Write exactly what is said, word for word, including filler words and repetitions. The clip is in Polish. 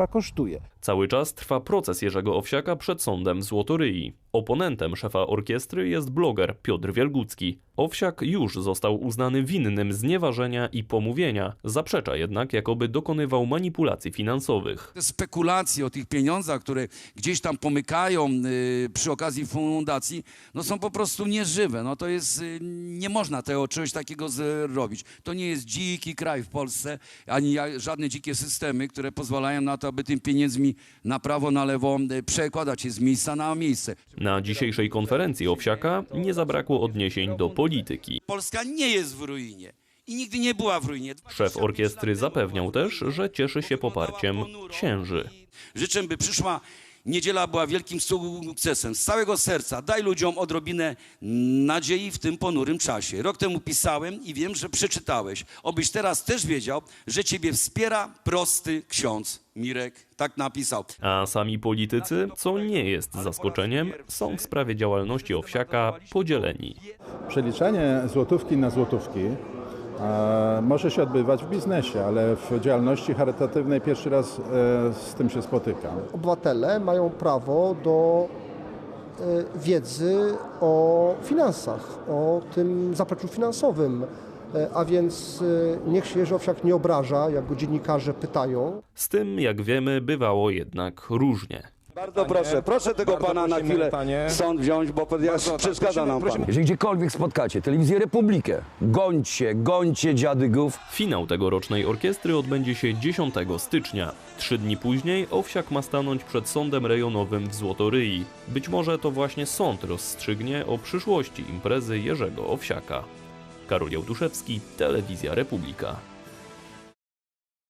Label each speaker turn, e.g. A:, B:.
A: państwa kosztuje.
B: Cały czas trwa proces Jerzego Owsiaka przed sądem w Złotoryi. Oponentem szefa orkiestry jest bloger Piotr Wielgucki. Owsiak już został uznany winnym znieważenia i pomówienia. Zaprzecza jednak, jakoby dokonywał manipulacji finansowych.
C: Te spekulacje o tych pieniądzach, które gdzieś tam pomykają yy, przy okazji fundacji, no są po prostu nieżywe. No to jest, yy, nie można tego czegoś takiego zrobić. To nie jest dziki kraj w Polsce, ani żadne dzikie systemy, które pozwalają na to, aby tym pieniędzmi na prawo, na lewo yy, przekładać je z miejsca na miejsce.
B: Na dzisiejszej konferencji Owsiaka nie zabrakło odniesień do polityki.
C: Polska nie jest w ruinie i nigdy nie była w ruinie.
B: Szef orkiestry zapewniał też, że cieszy się poparciem księży.
C: Życzę, by przyszła niedziela była wielkim sukcesem. Z całego serca daj ludziom odrobinę nadziei w tym ponurym czasie. Rok temu pisałem i wiem, że przeczytałeś. Obyś teraz też wiedział, że ciebie wspiera prosty ksiądz Mirek. Tak napisał.
B: A sami politycy, co nie jest zaskoczeniem, są w sprawie działalności Owsiaka podzieleni.
D: Przeliczanie złotówki na złotówki e, może się odbywać w biznesie, ale w działalności charytatywnej pierwszy raz e, z tym się spotykam.
E: Obywatele mają prawo do e, wiedzy o finansach, o tym zapleczu finansowym. A więc niech się Jerzy Owsiak nie obraża, jak go dziennikarze pytają.
B: Z tym, jak wiemy, bywało jednak różnie.
F: Bardzo proszę, proszę tego pana na chwilę sąd wziąć, bo przeszkadza nam pan.
G: Jeżeli gdziekolwiek spotkacie telewizję Republikę, gońcie, gońcie dziadygów.
B: Finał tegorocznej orkiestry odbędzie się dziesiątego stycznia. Trzy dni później Owsiak ma stanąć przed sądem rejonowym w Złotoryi. Być może to właśnie sąd rozstrzygnie o przyszłości imprezy Jerzego Owsiaka. Karol Jałtuszewski, Telewizja Republika.